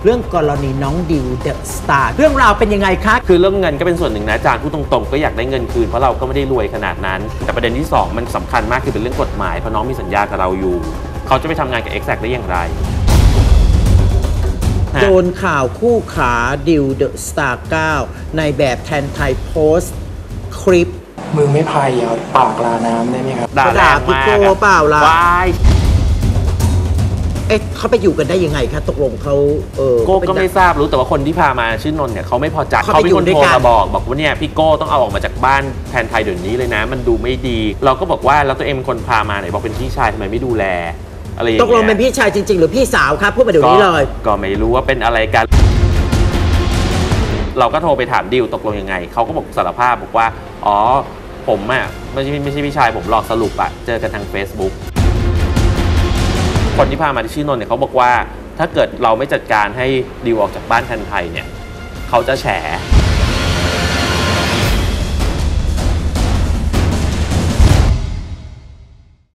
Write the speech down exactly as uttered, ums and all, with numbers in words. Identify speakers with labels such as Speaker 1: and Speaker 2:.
Speaker 1: เรื่องกรณีน้องดิวเดอะสตาร์เรื่องราวเป็นยังไงคะ
Speaker 2: คือเรื่องเงินก็เป็นส่วนหนึ่งนะอาจารย์พูดตรงๆก็อยากได้เงินคืนเพราะเราก็ไม่ได้รวยขนาดนั้นแต่ประเด็นที่สองมันสำคัญมากคือเป็นเรื่องกฎหมายเพราะน้องมีสัญญากับเราอยู่เขาจะไปทำงานกับ Exact ได้อย่างไร
Speaker 1: โดนข่าวคู่ขาดิวเดอะสตาร์เก้าในแบบแทนไทยโพสต์คลิป
Speaker 3: มือไม่พายเอาปากลาน้ำได้ไหมครับ
Speaker 2: ด่าแรงมาก
Speaker 1: เปล่าล่ะ
Speaker 2: วาย
Speaker 1: เอ๊ะเขาไปอยู่กันได้ยังไงคะตกลงเขาเออ
Speaker 2: โก้ก็ไม่ทราบรู้แต่ว่าคนที่พามาชื่อนนท์เนี่ยเขาไม่พอใจเขาเป็นคนโทรมาบอกบอกว่าเนี่ยพี่โก้ต้องเอาออกมาจากบ้านแทนไทยเดี๋ยวนี้เลยนะมันดูไม่ดีเราก็บอกว่าแล้วตัวเองเป็นคนพามาไหนบอกเป็นพี่ชายทำไมไม่ดูแลอะไรอย่างเงี้ย
Speaker 1: ตกลงเป็นพี่ชายจริงๆหรือพี่สาวครับพูดมาเดี๋ยวนี้เลย
Speaker 2: ก็ไม่รู้ว่าเป็นอะไรกันเราก็โทรไปถามดิวตกลงยังไงเขาก็บอกสารภาพบอกว่าอ๋อผมอ่ะไม่ใช่ไม่ใช่พี่ชายผมหลอกสรุปอะเจอกันทาง Facebook คนที่พามาที่ชื่อนนท์เนี่ยเขาบอกว่าถ้าเกิดเราไม่จัดการให้ดิวออกจากบ้านแทนไทยเนี่ยเขาจะแฉ